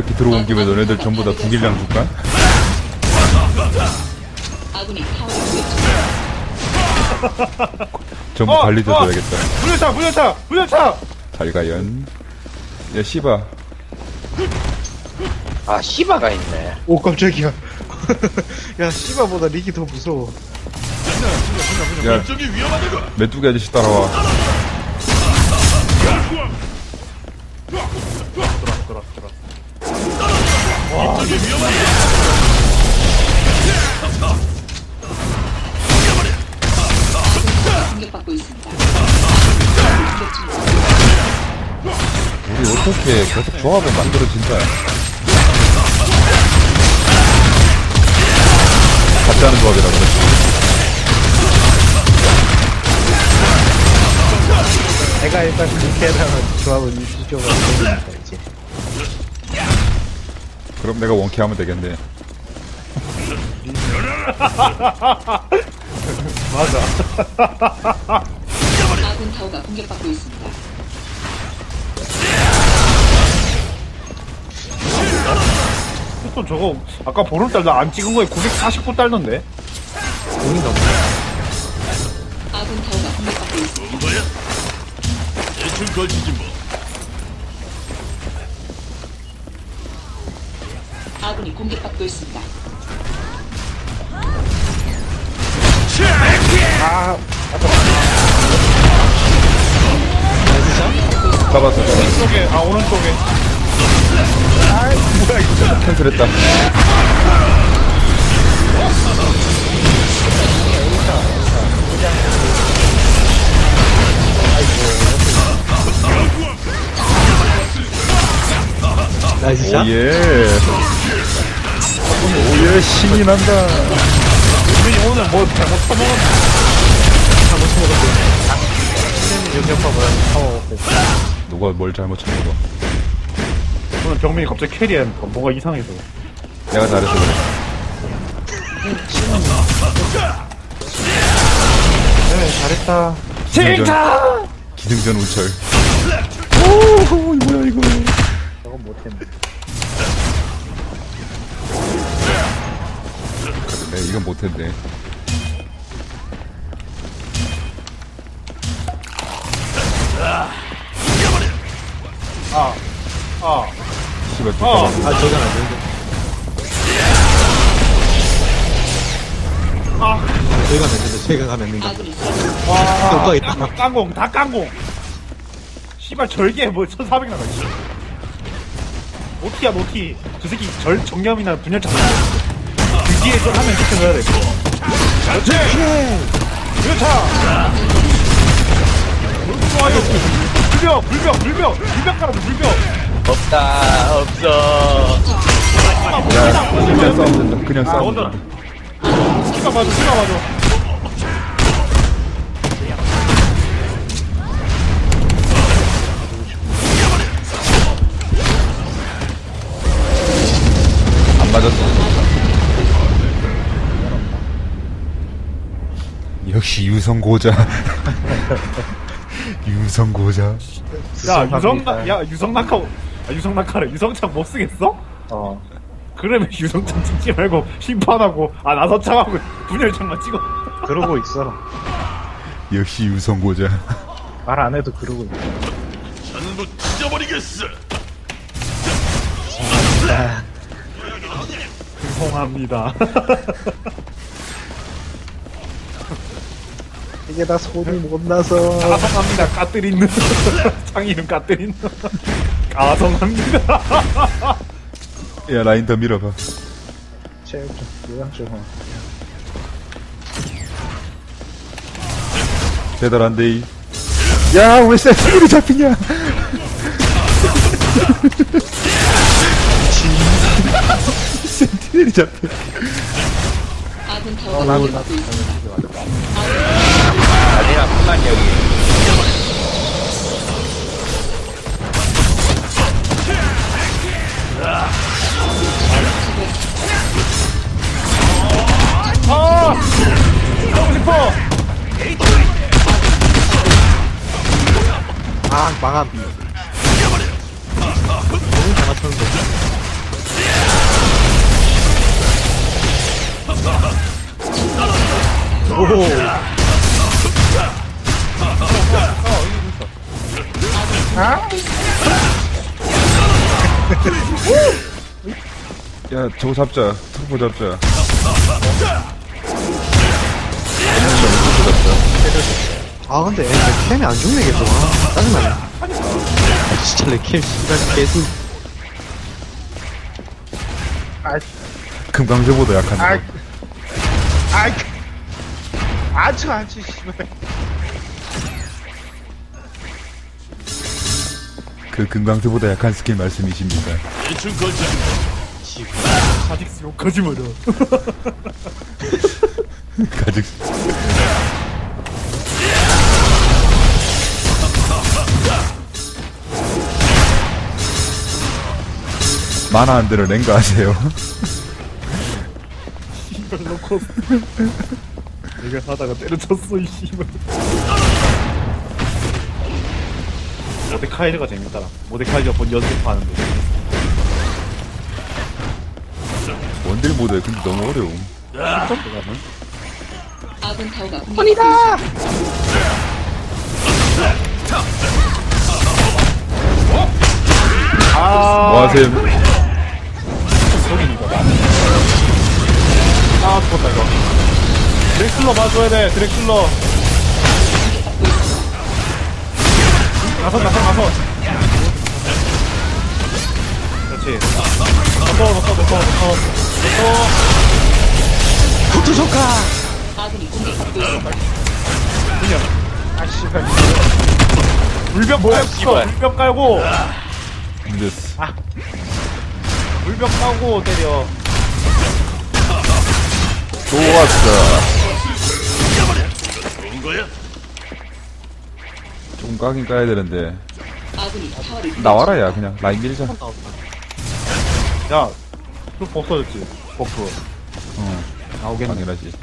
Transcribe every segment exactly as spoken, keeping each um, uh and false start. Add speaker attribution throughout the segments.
Speaker 1: 이렇게 들어온 김에 너네들 전부 다 독일량 줄까?
Speaker 2: 아군이 타워를
Speaker 1: 전부
Speaker 3: 어,
Speaker 1: 관리
Speaker 3: 어.
Speaker 1: 줘야겠다.
Speaker 3: 불려차 불려차 불려차.
Speaker 1: 달가연. 야 씨바.
Speaker 4: 아, 시바가 있네.
Speaker 5: 오 깜짝이야. 야 씨바보다 릭이 더 무서워.
Speaker 1: 야 메뚜기 아저씨 따라와.
Speaker 3: 돌아 돌아.
Speaker 2: 공격받고 있습니다.
Speaker 1: 우리 어떻게 계속 조합을 만들어진다. 같이 하는 조합이라 그랬지.
Speaker 5: 내가 일단 그렇게 해서 조합을 유지적으로 해주니까 이제.
Speaker 1: 그럼 내가 원키 하면 되겠네.
Speaker 2: 아군 타워가 공격받고 있습니다.
Speaker 3: 또 저거 아까 보름달 나 안 찍은 거에 구백사십 분 딸던데.
Speaker 5: 돈이 너무.
Speaker 2: 아군 타워가 공격받고 있습니다.
Speaker 6: 뭐야? 대충 걸치지 뭐.
Speaker 2: 아군이 공격받고 있습니다.
Speaker 1: 잡았어, 잡았어.
Speaker 3: 왼쪽에 아 오른쪽에.
Speaker 1: 캔슬했다.
Speaker 5: 나이스 샷.
Speaker 1: 오예. 오예, 신이 난다.
Speaker 3: 우리 오늘 뭐 잘못 처먹었나?
Speaker 5: 잘못 먹었어. 신뢰는 역력파보다 파워 없고.
Speaker 1: 누가 뭘 잘못 쳐먹어.
Speaker 3: 오늘 병민이 갑자기 캐리하니까 뭔가 이상해서.
Speaker 1: 내가 잘해서 그래.
Speaker 5: 네 잘했다.
Speaker 1: 기승전, 기승전 우철. 오, 뭐야 이거.
Speaker 5: 저건 못했네.
Speaker 1: 네, 이건 못했네.
Speaker 3: 아, 아,
Speaker 1: 씨발, 또
Speaker 3: 어.
Speaker 1: 잡았어.
Speaker 5: 아 저건 안 되는데.
Speaker 3: 아,
Speaker 5: 저희가 냈는데 저희가 가면
Speaker 2: 아군이
Speaker 3: 와,
Speaker 5: 또 있다.
Speaker 3: 깡공, 깡공, 다 깡공. 씨발 절개 뭐 천사백 나가. 씨. 노티야 노티. 저 새끼 절 정념이나 분열차. 그 뒤에 좀 하면 시켜줘야 돼. 그렇지. 그렇다. 좋아요. 불벽, 불벽, 불벽, 불벽 깔아줘, 불벽.
Speaker 4: 없다, 없어.
Speaker 1: 야, 그냥 싸우면 된다. 그냥
Speaker 3: 아,
Speaker 1: 싸우면
Speaker 3: 먼저.
Speaker 1: 된다.
Speaker 3: 키가 맞아, 키가 맞아.
Speaker 1: 안 맞았어. 역시 유성고자. 유성고자.
Speaker 3: 야, 유성낙, 야, 유성낙하, 아, 유성낙하래. 유성창 못 쓰겠어?
Speaker 5: 어.
Speaker 3: 그러면 유성창 찍지 말고 심판하고, 아, 나서창하고 분열창만 찍어.
Speaker 5: 그러고 있어.
Speaker 1: 역시 유성고자.
Speaker 5: 말 안 해도 그러고 있어.
Speaker 6: 전부 찢어버리겠어.
Speaker 3: 죄송합니다.
Speaker 5: 이게 다 손이 못 나서.
Speaker 3: 가성합니다. 까뜨리는. 창 이름 까뜨리는. 가성합니다.
Speaker 1: 야, 라인 더 밀어봐.
Speaker 5: 체육 좀 요양 좀. 어.
Speaker 1: 대단한데, 이. 야, 왜 센티넬이 잡히냐? 센티넬이 잡혀.
Speaker 2: 아군 타워가 공격받고 있습니다.
Speaker 4: 아니라 그만 여기.
Speaker 3: 아! 하고 싶어!
Speaker 5: 아 망함. 너무 잘 맞췄는데.
Speaker 1: 야 저거 잡자. 트루퍼 잡자.
Speaker 5: 아 근데 애 캠이 안 죽네 계속. 아, 짜증나네. 아, 진짜 내 캠 씨발 계속.
Speaker 1: 금강제보다 약한 거.
Speaker 3: 아이 아주 아주 씨발.
Speaker 1: 그 금강제보다 약한 스킬 말씀이십니까?
Speaker 6: 대충 걸치지
Speaker 3: 아직스 욕하지 마라.
Speaker 1: 가직. 만화 안 들어 랭가 하세요.
Speaker 3: 이걸 놓고 내가 하다가 때려쳤어 이 씨발. 모데카이저가 재밌더라. 모데카이저 본 연습하는데.
Speaker 1: 원딜 모드 근데 너무 어려움.
Speaker 2: 아군 타워가 공격받고 있습니다.
Speaker 1: 뭐 하셈?
Speaker 3: 아 죽었다 이거. 드렉슬러 맞줘야 돼. 드렉슬러. 나선 나선 나선. 그렇지. 넣어 넣어 넣어 넣어 넣어.
Speaker 2: 아군이 공격받고 있습니다.
Speaker 3: 그냥. 아 씨발. 물벽
Speaker 4: 뭐야,
Speaker 3: 깔고
Speaker 4: 씨발.
Speaker 3: 물벽 깔고
Speaker 1: 힘들었어.
Speaker 3: 물벽 까고 때려.
Speaker 1: 좋았어.
Speaker 6: 좋은 거야?
Speaker 1: 좀 까긴 까야 되는데.
Speaker 2: 아군이 타워를
Speaker 1: 나와라 야 그냥 라인 밀자.
Speaker 3: 야, 그 없어졌지. 버프.
Speaker 1: 어
Speaker 3: 나오겠네.
Speaker 1: 당연하지.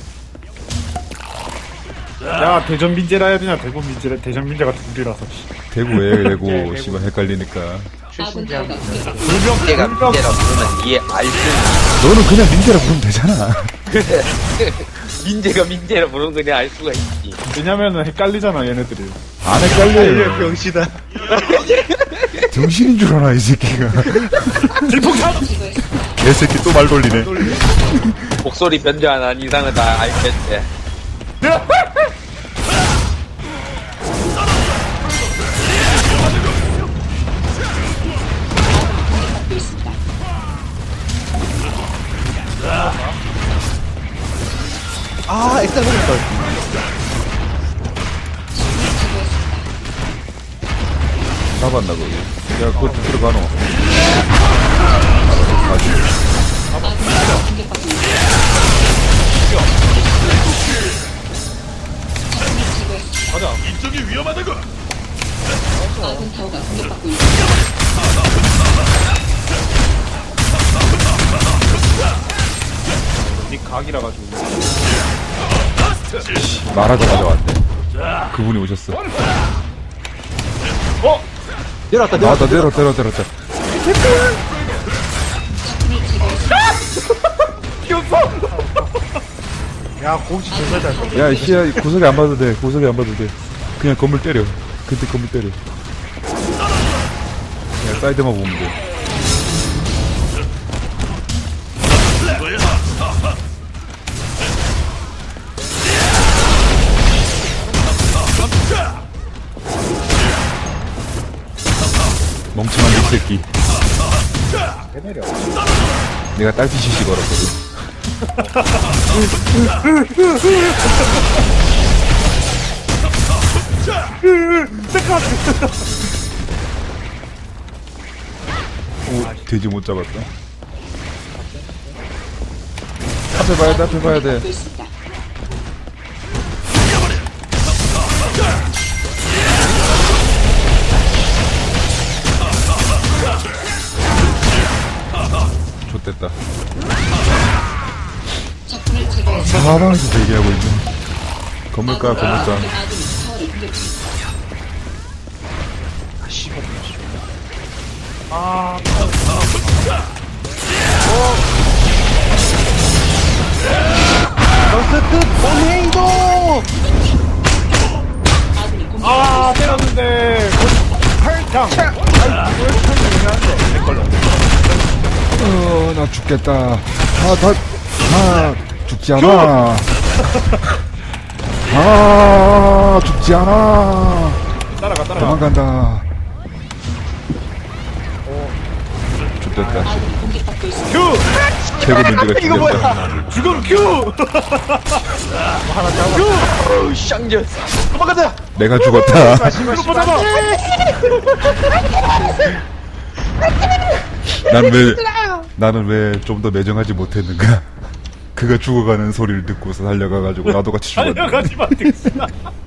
Speaker 3: 야, 대전 민재라 해야 되냐? 대구 민재라, 대전 민재가 둘이라서.
Speaker 1: 대구에 대구 씨발 헷갈리니까.
Speaker 2: 아군 타워가 공격받고
Speaker 3: 물벽,
Speaker 4: 민재가
Speaker 3: 물벽.
Speaker 4: 민재라 부르면 이해 알수
Speaker 1: 너는 그냥 민재라 부르면 되잖아.
Speaker 4: 민재가 민재라 부르면 그냥 알 수가 있지.
Speaker 3: 왜냐면은 헷갈리잖아, 얘네들이.
Speaker 1: 안 헷갈려요.
Speaker 5: 병신아.
Speaker 1: 정신인 줄 아나 이 새끼가.
Speaker 3: 질풍탄!
Speaker 2: 제거했습니다.
Speaker 1: 개새끼 또 말 돌리네.
Speaker 4: 목소리 변조 안 한 이상은 다 알겠지.
Speaker 2: 공격받고 있습니다.
Speaker 5: 아 엑셀 먹을 걸.
Speaker 2: 제거했습니다.
Speaker 1: 잡았나 거기. 야 그거 들어가노. 가지.
Speaker 2: 아군 타워가 공격받고 있습니다. 적군을 제거했습니다.
Speaker 3: 가자.
Speaker 6: 이쪽이 위험하다고.
Speaker 2: 아군 타워가 공격받고 있습니다.
Speaker 3: 니 각이라 가지고.
Speaker 1: 말하자마자 왔대. 그분이 오셨어.
Speaker 3: 어?
Speaker 5: 내려왔다
Speaker 1: 나왔다
Speaker 5: 내려왔다.
Speaker 1: 내려 내려 내렸다.
Speaker 2: 적군을 제거했습니다.
Speaker 3: 귀엽어! 야, 공지 존나 잘.
Speaker 1: 야 씨야 구석에 안 봐도 돼. 구석에 안 봐도 돼. 그냥 건물 때려. 그때 건물 때려. 그냥 사이드만 보면 돼. 멍청한 이 새끼.
Speaker 3: 해내려.
Speaker 1: 내가 딸피 시시 걸었거든. 오, 돼지 못 잡았다. 앞에 봐야 돼, 앞에 봐야 돼.
Speaker 2: 공격받고 있습니다.
Speaker 1: 좋됐다.
Speaker 2: 적군을 제거했습니다.
Speaker 1: 사방에서 대기하고 있네. 건물가, 건물가.
Speaker 2: 아군이 타워를 공격 중입니다.
Speaker 3: 아,
Speaker 5: 너스트 보네이도.
Speaker 1: 나 죽겠다. 아, 나, 아, 죽지 않아. 아, 죽지 않아.
Speaker 3: 따라가 따라가.
Speaker 1: 도망간다. 죽겠다.
Speaker 2: 아군이 공격받고 있습니다.
Speaker 3: 큐.
Speaker 1: 최고 문제가 죽겠다.
Speaker 3: 죽음 큐.
Speaker 4: 어우 쌍전 도망가자.
Speaker 1: 내가 죽었다.
Speaker 3: 이거 잡아.
Speaker 1: 난 왜, 나는 왜 좀 더 매정하지 못했는가? 그가 죽어가는 소리를 듣고서 달려가가지고 나도 같이 죽었네.
Speaker 3: 달려가지 마. 득신아.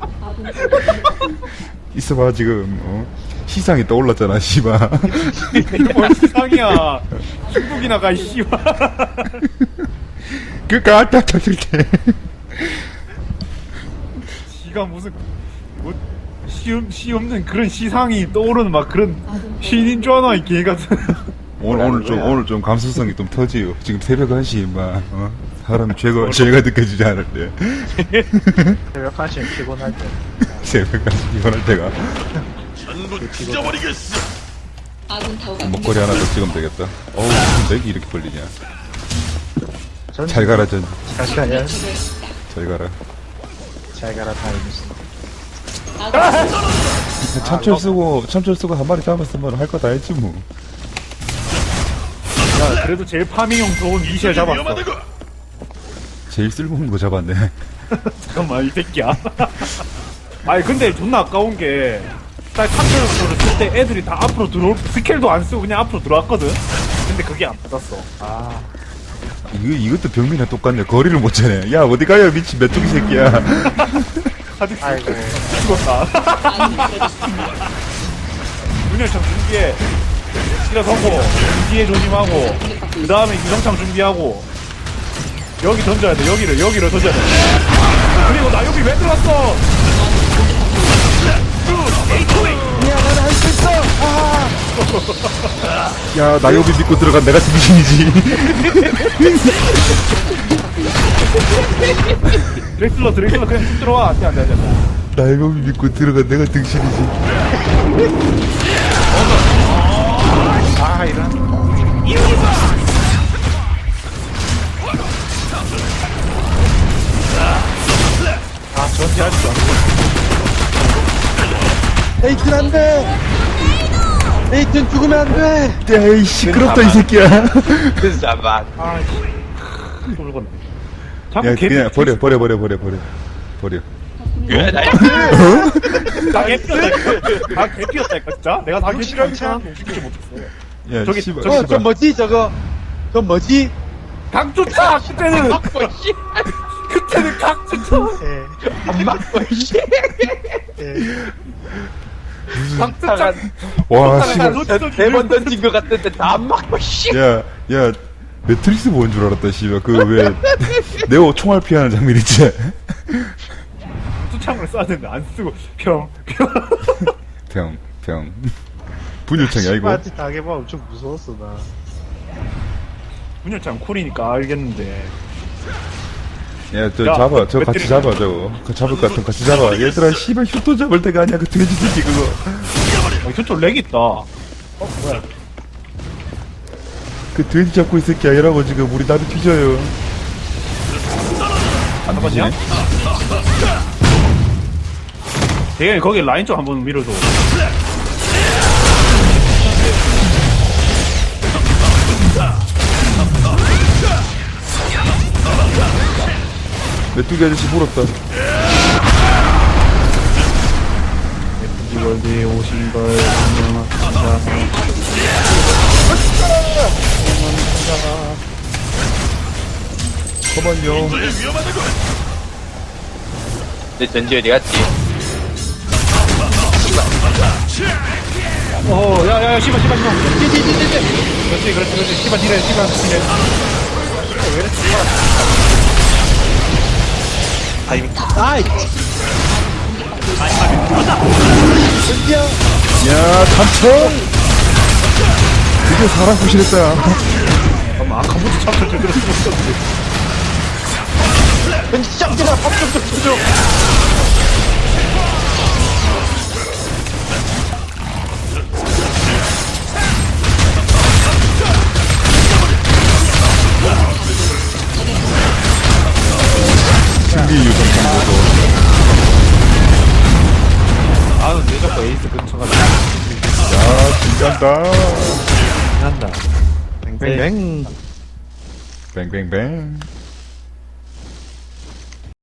Speaker 1: 있어봐, 지금, 어? 시상이 떠올랐잖아, 씨발.
Speaker 3: 이게 뭔 세상이야. 중국이나 가 씨발.
Speaker 1: 그니까, 딱 잡힐 때.
Speaker 3: 지가 무슨 뭐 시음 시 없는 그런 시상이 떠오르는 막 그런 시인인 줄 아나 이 개 같은.
Speaker 1: 오늘, 오늘 좀, 오늘 좀 감수성이 좀 터지요. 지금 새벽 한 시, 막, 어? 사람 죄가, 죄가 느껴지지 않을 때.
Speaker 5: 새벽 한 시면 피곤할 때.
Speaker 1: 새벽 한 시, 피곤할 때가.
Speaker 6: 전부 찢어버리겠어.
Speaker 2: 아군 타워가
Speaker 1: 목걸이 하나 더 찍으면 되겠다. 어우, 무슨 렉이 이렇게 걸리냐.
Speaker 5: 전
Speaker 1: 잘 가라, 전.
Speaker 5: 잠시만요.
Speaker 2: 제거했습니다.
Speaker 1: 잘 가라.
Speaker 5: 잘 가라 타임스.
Speaker 2: 아군
Speaker 1: 참철 쓰고, 참철 쓰고 한 마리 잡았으면 할 거 다 했지, 뭐.
Speaker 3: 야 그래도 제일 파밍형 좋은 미셸 잡았어.
Speaker 6: 위험하다고.
Speaker 1: 제일 쓸모없는 거 잡았네.
Speaker 3: 잠깐만 이 새끼야. 아니 근데 존나 아까운 게 딱 탑철을 쓸 때 애들이 다 앞으로 들어올 스킬도 안 쓰고 그냥 앞으로 들어왔거든. 근데 그게 안 받았어. 아
Speaker 1: 이거, 이것도 병민이랑 똑같네. 거리를 못 차네. 야, 어디 가요, 미친 메뚜기 새끼야.
Speaker 3: 가득
Speaker 5: 아이고.
Speaker 3: 죽었다.
Speaker 2: 아군이 쓰러졌습니다.
Speaker 3: 문열창 준비해. 시라 성공. 뒤에 조심하고. 그 다음에 유성창 준비하고. 여기 던져야 돼. 여기를 여기를 던져야 돼. 그리고 나 여기 왜 들어왔어?
Speaker 1: 야, 나요비 믿고 들어간 내가 등신이지.
Speaker 3: 드렉슬러 드렉슬러 그냥 쭉 들어와. 안돼 안돼 안돼.
Speaker 1: 나요비 믿고 들어간 내가 등신이지.
Speaker 3: 아 이런. 아 전지하지도 않고.
Speaker 5: 에이튼 안 돼! 에이튼 죽으면 안 돼!
Speaker 1: 야, 이 시끄럽다, 이 새끼야.
Speaker 4: 잠깐.
Speaker 3: 아 씨. 쫄건네. 자꾸
Speaker 1: 야,
Speaker 3: 개
Speaker 1: 그냥 버려, 버려, 버려, 버려, 버려. 버려.
Speaker 4: 왜 나?
Speaker 3: 다 개피었다니까. 다 개피었다니까 진짜. 내가 다 개피었다. 움직이지 못했어.
Speaker 1: 야,
Speaker 3: 저기,
Speaker 1: 씨발,
Speaker 3: 저기,
Speaker 5: 어, 저
Speaker 1: 씨발.
Speaker 5: 뭐지, 저거? 저 뭐지?
Speaker 3: 강조차 그때는 그때는 강조차.
Speaker 5: 예.
Speaker 4: 안 맞고 씨.
Speaker 5: 예.
Speaker 3: 강조차.
Speaker 1: 와, 씨발.
Speaker 4: 대번 던진 것 같은데 다 안 맞고 씨.
Speaker 1: 야, 야, 매트릭스 본 줄 알았다, 씨발. 그, 왜, 네오 총알 피하는 장면 있지?
Speaker 3: 수창을 쏴야 되는데 안 쓰고 평 평.
Speaker 1: 병, 병. 분열창이야, 이거.
Speaker 5: 씨발한테 당해봐 엄청 무서웠어, 나.
Speaker 3: 분열창 쿨이니까 알겠는데.
Speaker 1: 야, 저
Speaker 3: 야,
Speaker 1: 잡아. 저
Speaker 3: 매-
Speaker 1: 같이
Speaker 3: 매트릭스.
Speaker 1: 잡아, 저거. 그 잡을 것 같으면 같이 잡아. 얘들아, 씨발, 휴토 잡을 때가 아니야. 그 돼지 새끼, 그거.
Speaker 3: 어, 저쪽 렉 있다. 어 뭐야?
Speaker 1: 그 돼지 잡고 있을 게 아니라고, 지금. 우리 나도 뒤져요. 안
Speaker 3: 잡았냐?
Speaker 1: 뒤지네?
Speaker 3: 대현이 거기 라인 좀 한번 밀어줘.
Speaker 1: 메뚜기 아저씨 물었다.
Speaker 3: 이월드에 오신 걸 환영합니다.
Speaker 1: 잠깐만요.
Speaker 6: 위험하다고.
Speaker 4: 내 전지 어디 갔지?
Speaker 3: 어, 야, 야, 야, 씨발, 씨발, 씨발. 뒤, 뒤, 뒤, 뒤, 뒤. 그렇지, 그렇지, 그렇지. 씨발, 뒤래, 씨발, 뒤래.
Speaker 5: 아이!
Speaker 1: 야, 삼촌! 드디어 사람 구실했다.
Speaker 3: 잠깐만, 아까부터 참철 제대로 쓰고 있었는데.
Speaker 5: 왠지 짱지가 밥좀 좀 주죠!
Speaker 3: 근처가지고.
Speaker 1: 야, 진간다.
Speaker 3: 한다.
Speaker 5: 뱅뱅뱅.
Speaker 1: 뱅뱅뱅.